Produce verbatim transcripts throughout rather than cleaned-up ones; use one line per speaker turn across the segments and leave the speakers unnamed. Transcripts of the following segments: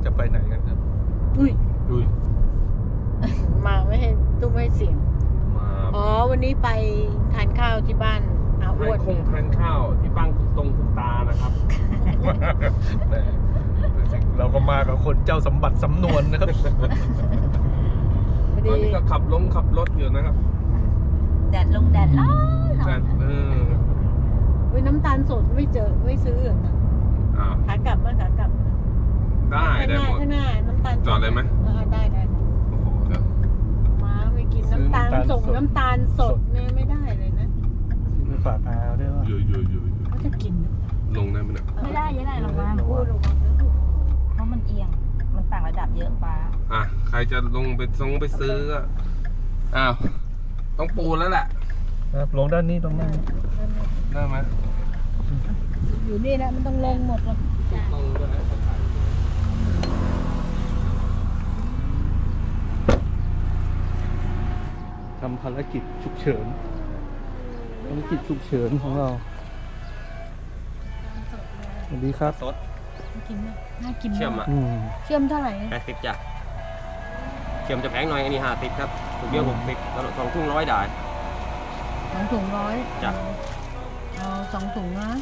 จะไปไหนกันครับ
อุ้ย
ดุย
มาไม่ให้ตุ้มไม่เสียง
มา
อ๋อวันนี้ไปทานข้าวที่บ้านอาอ้วน
คงทานข้าวที่บ้านคุณตรงคุณตานะครับ
เราก็มากับคนเจ้าสมบัติสำนวนนะครับ
ตอนนี้ก็ขับลงขับรถอยู่นะครับ
แดดลงแดดร้อน
แดดเออ
เว้ยน้ำตาลสดไม่เจอไม่ซื้อ
อ่า
ขากลับมาขากลับ
ได้ได้หมด
ข้างหน้าน้ำตาล
จอดเลยไหม
ได้ได้
โอ้โหเดี๋ยว
มาไม่กินน้ำตาลส่งน้ำตาลสดเนี่ยไม่ได้เลยนะ
ไปฝากอาด้วยว่า
อยู่อยู่อยู่
เขาจะกิน
ลงได้ไหมเนี่ย
ไม่ได้ยังไงลงมาพูดลงเพราะมันเอียงมันต่างระดับเยอะป้า
อ่ะใครจะลงไปซงไปซื้อก็อ้าวต้องปูแล้วแหละ
ลงด้านนี้ตรงนั้น
ได้ไหม
อยู่นี่นะมันต้องลงหมดหรอก
ลงด้วย
ทำภารกิจฉุกเฉินภารกิจฉุกเฉินของเราสวัสดีครับ
สด
กินไหมน่ากิน
เชื่อมอ่ะ
เชื่อมเท่าไหร่
แปดสิบจ้ะเชื่อมจะแพงหน่อยอันนี้ห้าสิบครับถุงเดียวหกสิบแล้วสองถุงร้อยได้
สองถุงร้อย
จ้ะ
เอาสองถุงนะ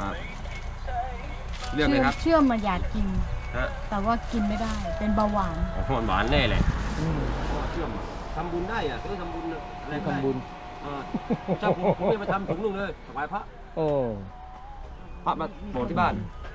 เรื่องเลยครับ
เชื่อมมาอยากกิน
ฮะ
แต่ว่ากินไม่ได้เป็นเบาหวาน
หวานหวานแน่เลยเชื่อมทำบุญได้อ่ะต้องทำบุญอะไร
ทำบุญ
เจ้าผมไม่มาทำถุงนึงเลยถวายพระ
โอ้
พระมาโบสถ์ที่บ้าน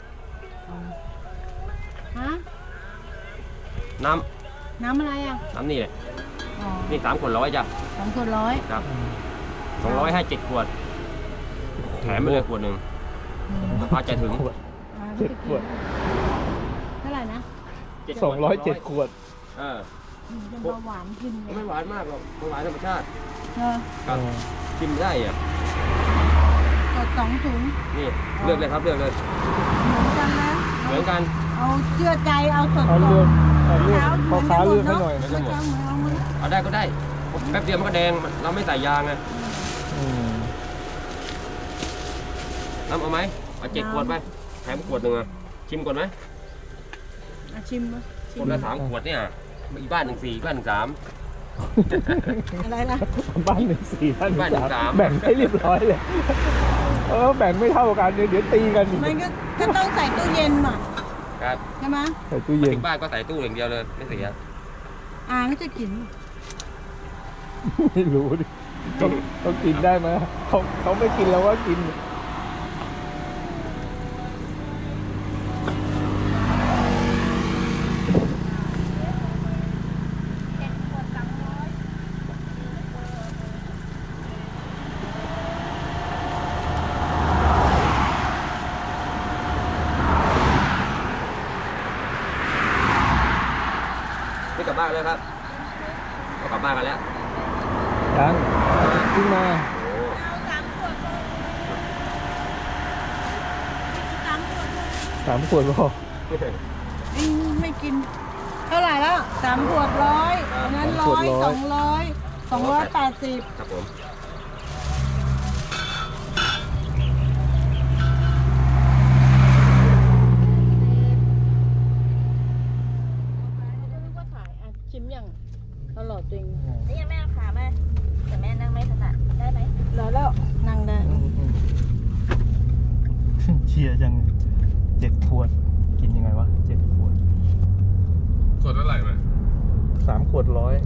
ฮะ
น้ำ
น้ำอะไรอ่ะ
น้ำนี่แหละนี่สามขวดร้อยจ้ะ
สามขวดร้อย
ครับสองร้อยให้เจ็ดขวดแถมไปเลยขวดหนึ่งพระใจถึง
เจ็ดขวด
เท่าไหร่นะ
สองร้อยเจ็ดขวด
เออ
เป็นเบาหวานกิน
ไม่หวานมากหรอกไม่หวานธรรมชาติ
ครับ
กินได้อ่ะ
กดสองถุง
นี่เลือกเลยครับเลือกเลย
เหมือนกันนะ
เหมือนกัน
เอาเชื่อใจเอาสด
เอาเลือกเอาเลือกพอค้าเลือกให้หน่อย
ไม่หมดเอาได้ก็ได้แป๊บเดียวมันก็แดงเราไม่ใส่ยางไงน้ำเอาไหมเอาเจ็ดขวดไปแถมขวดหนึ่งอ่ะชิมก่อนไหม
ชิม
คนละสามขวดเนี่ยอีกบ้านหนึ่งสี่บ้านหนึ่งสาม
อะไรนะ
บ้านหนึ่งสี่บ้านหนึ่งสามแบ่งให้เรียบร้อยเลยเออแบ่งไม่เท่ากันเดี๋ยวตีกัน
มันก็ต้องใส่ตู้เย็นหน่อย
ครับ
ใช่ไหม
ใส่ตู้เย็น
ถึงบ้านก็ใส่ตู้อย่างเดียวเลยไม่เสีย
อ่าก็จะกิน
ไม่รู้ดิเขาเขากินได้ไหมเขาเขาไม่กินแล้วว่ากิน
ไม่กลับบ้านแล้วครับเรากลับบ้านกันแล้ว
ยังขึ้นมาสามขวดพอ
ไม่กินเท่าไหร่แล้วสามขวดร้อยนั้นร้อยสองร้อยสองร้อยแปดสิบ
ครับผม
ชิมยังตลอดจริง
นี่ยังแม่ขาแม่แต่แม่นั่งไม่ถนัดได้ไหม
แล้วแล้วนั่งได้
เชียร์จังเจ็ดขวดกินยังไงวะเจ็ดขวด
ขวดเท่าไหร่ไหม
สามขวดร้อย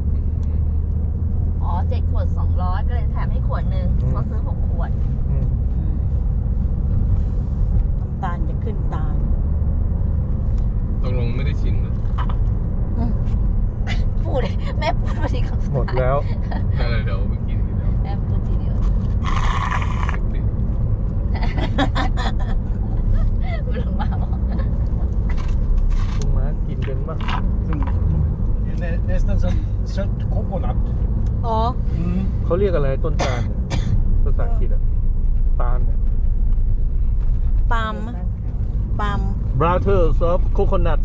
อ๋อเจ็ดขวดสองร้อยก็เลยแถมให้ขวดหนึ่งเขาซื้อหกขวด
น้ำตาลจะขึ้นตา
ตกลงไม่ได้ชิมเลย
พูดแม่พูดมาทีคำ
หมดแล้ว
อะไรเดี๋ยวไปกินทีเดียว
แม่พูดทีเดียวไม่ลงมาบอก
ลงมากินเป็นบ้าง
nästan som sött kokonat
อ๋อ
เขาเรียกอะไรต้นตาลภาษาอังกฤษอะตาลเนี่ย
ปาล์มปาล์ม
Brothers of Coconut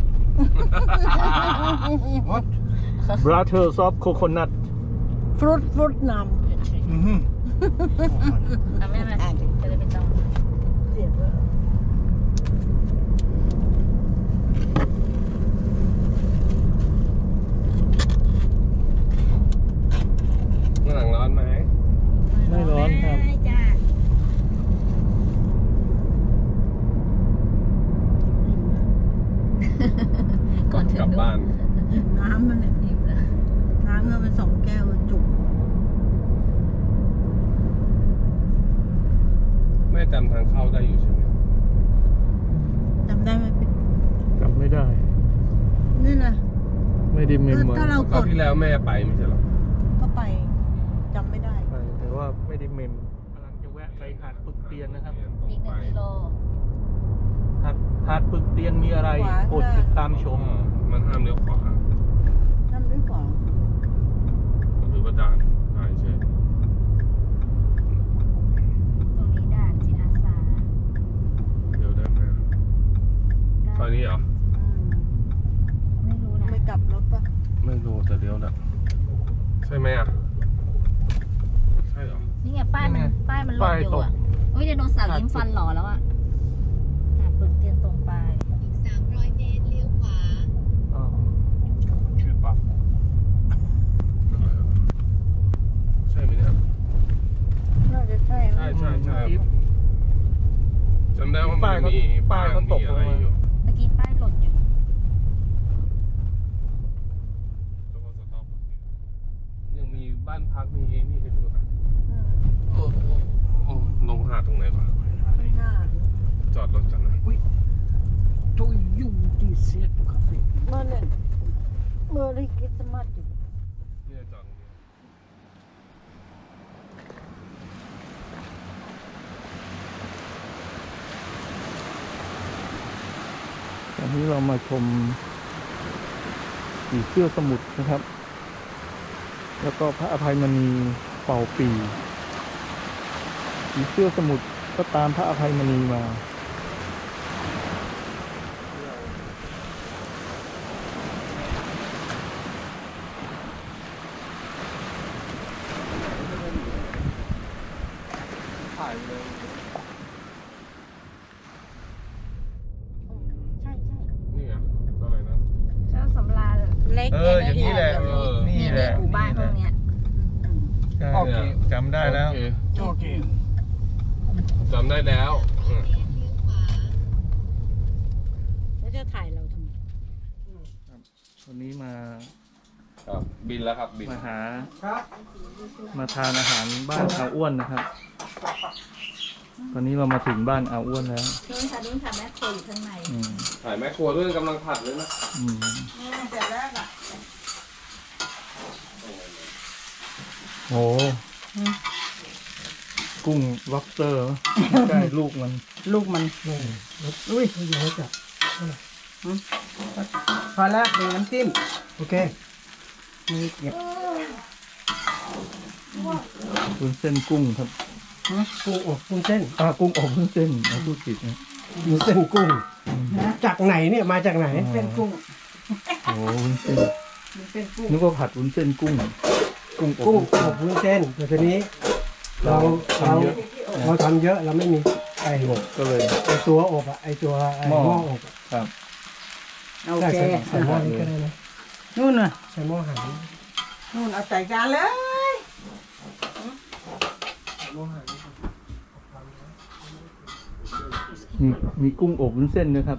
What
Brothers of Coconut
ฟรุตฟรุตนำ
อืม
ทำไม่ได้จะได้ไม่ต้อง
เสียบ
ครับ
ได้จ้าก่อนถึง
กลับบ้าน
น้ำมันเนี่ย
อิ่มแล้ว
น้ำเงินเป็นสองแก้วจุก
แม่จำทางเข้าได้อยู่ใช่ไหม
จำได้ไหมพี่
จำไม่ได้
นี่นะ
ไม่ได้เมมไว้
ถ้าเรา
คราวที่แล้วแม่ไปไม่ใช่เหรอ
ก็ไปจำไม่ได้
ไปแต่ว่าไม่ได้เมมกำลังจะแวะไปหาดปึกเตียนนะครับ
อีกหนึ่งกิโล
หาดหาดปึกเตียนมีอะไรโปรดติดตามชม
มันห้ามเลี้ยวขวา
นั่นด้วยกว่า
หรือว่าด่านด่านเฉย
ตรงนี้ด่านจิตอาสา
เดี๋ยวได้ไหมซอยนี้เหรอ
ไม่รู้นะ
ไม่กลับรถปะ
ไม่รู้แต่เลี้ยวแหละใช่ไหมอ่ะใช่เหรอ
นี่ไงป้ายมันป้ายมันหล่นอยู่อ่ะโอ้ยไดโนเสาร์ยิ้มฟันหล่อแล้วอ่ะหาดปึกเตียนตรงไป
อ๋อ
ชื่อปั๊บใช่ไหมเนี่ย
น่าจะใช่ไหม
ใช่ใช่ใช่
จิ๊บ
จำได้ว่ามันมี
ป้ายเขาตก
มีอะไร
ลงมา
อยู่
เมื่อกี้ป้ายหล่นอยู่
ยังมีบ้านพักมีนี่ให้ดูนะ
อืม
โอ้โหโอ้ลงหาดตรงไหนวะ
ไม่น่า
จอดรถจังนะ
To Jordishet kaffe.
เมื่อเนี่ยเมื่อได้คริสต์มาสอยู่
เนี่ยจอดตรงนี้
ตอนนี้เรามาชมผีเสื้อสมุทรนะครับ แล้วก็พระอภัยมณีเป่าปีผีเสื้อสมุทรก็ตามพระอภัยมณีมา
ถ่ายเลย
ใช่ใช่
นี่ไงอะไรนะ
เจ้าสำราญ
เล็ก
เอออย่างนี้แหละ
เออ
นี่แหละ
หมู่บ้านพวกเนี้ย
โอเคจำได้แล้ว
โอเค
Okej.
จำได้แล้วอืม
แล้วจะถ่ายเราทำไม
วันนี้มา
ครับบินแล้วครับบิน
มาหา มาทานอาหารบ้านอาอ้วนนะครับ ตอนนี้เรามาถึงบ้านอาอ้วนแล้ว
นู่นค่ะนู่นค่ะแม่โคอยู่ข้างใน
อืม
ถ่ายแม่ครัวด้วยกำลังผัดเลยนะ
อืม
เสร็จแล้วอ่ะ
โอ้กุ้งล็อบสเตอร์ใช่ลูกมัน
ลูกมันอุ้ยอยู่แล้วจ้ะพอแล้วเป็นน้ำจิ้ม
Okej. Okay.
มีเก็บ
วุ้นเส้นกุ้งครับ
กุ้งอบวุ้นเส้น
อ่ากุ้งอบวุ้นเส้นเราพูดผิดนะ
วุ้นเส้นกุ้ง จากไหนเนี่ยมาจากไหน
เป็นกุ้ง
โอ้วุ้นเส้น
มันเป็นกุ้ง
นึกว่าผัดวุ้นเส้นกุ้ง กุ้งอบ
กุ้ง
วุ้นเส้น
อบวุ้นเส้นแต่ทีนี้ เราเรา
ทำเยอะ
เราทำเยอะเราไม่มีไอ้
ก็เลย
ไอ้ตัวอบอะไอ้ตัวไอ้
หม้อ
หม้ออบอะ
ครับ
โอ
ได้
เค
ใส่ใส่หม้อนี้ก็ได้นะ
นู่นน่ะ
ใส่หม้อหาง
นู่นเอาใส่จานเลย
มีมีกุ้งอบวุ้นเส้นนะครับ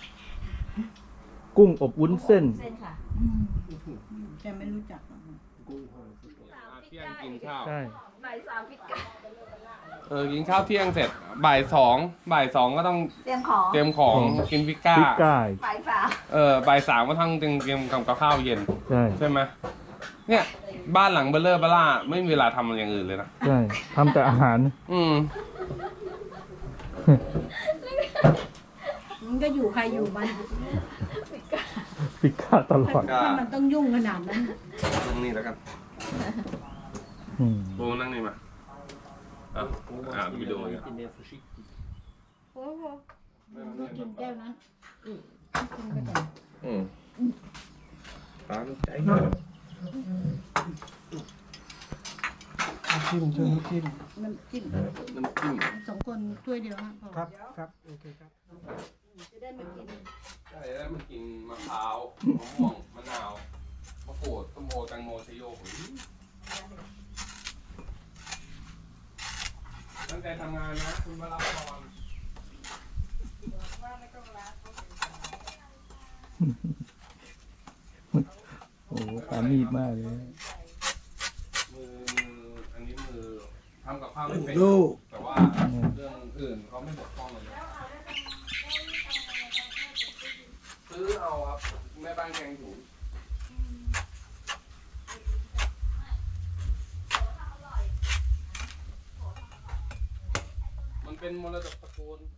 กุ้งอบวุ้นเส้น
เส้นค่ะ
แกไม่รู้จักหรอก
เที่ยงกินข้าว
ใช่
บ่ายสามพิกา
เออกินข้าวเที่ยงเสร็จบ่ายสองบ่ายสองก็ต้อง
เตรียมของ
เตรียมของกินพิก้า
พริกก้าย
บ่ายสาม
เออบ่ายสามก็ต้องเตรียมเตรียมกับข้าวเย็น
ใช่
ใช่ไหมเนี่ยบ้านหลังเบลเลอร์เบล่าไม่มีเวลาทำอะไรอย่างอื่นเลยนะ
ใช่ทำแต่อาหาร
อืม
มันก็อยู่ใครอยู่มัน
พิก้าตลอด
ถ้ามันต้องยุ่งขนาดนั้น
ตรงนี้แล้วกัน
อืม
โบนั่งนี่มาอ่ะอ่ะวิดีโอเนี่ย
โอ้โหกินแก้วนั้น
อืมตามใจ
น้ำจิ้มช่วยน้ำจิ้ม
น้ำจิ้ม
น้ำจิ้ม
สองคนถ้วยเดียวนะพอ
ครับครับโอเคครับ
จะได้มากิน
ใช่แล้วมันกินมะพร้าวมะม่วงมะนาวมะกรูดส้มโอแตงโมชะโยกตั้งใจทำงานนะคุณวราพร
โอ้โหปานีดมากเลย
มือมืออันนี้มือทำกับข้าวไม่เป็น
ดู
แต่ว่าเรื่องอื่นเขาไม่บกพร่องเลยซื้อเอาครับแม่บ้านแกงถุงมันเป็นมรดกตระกูล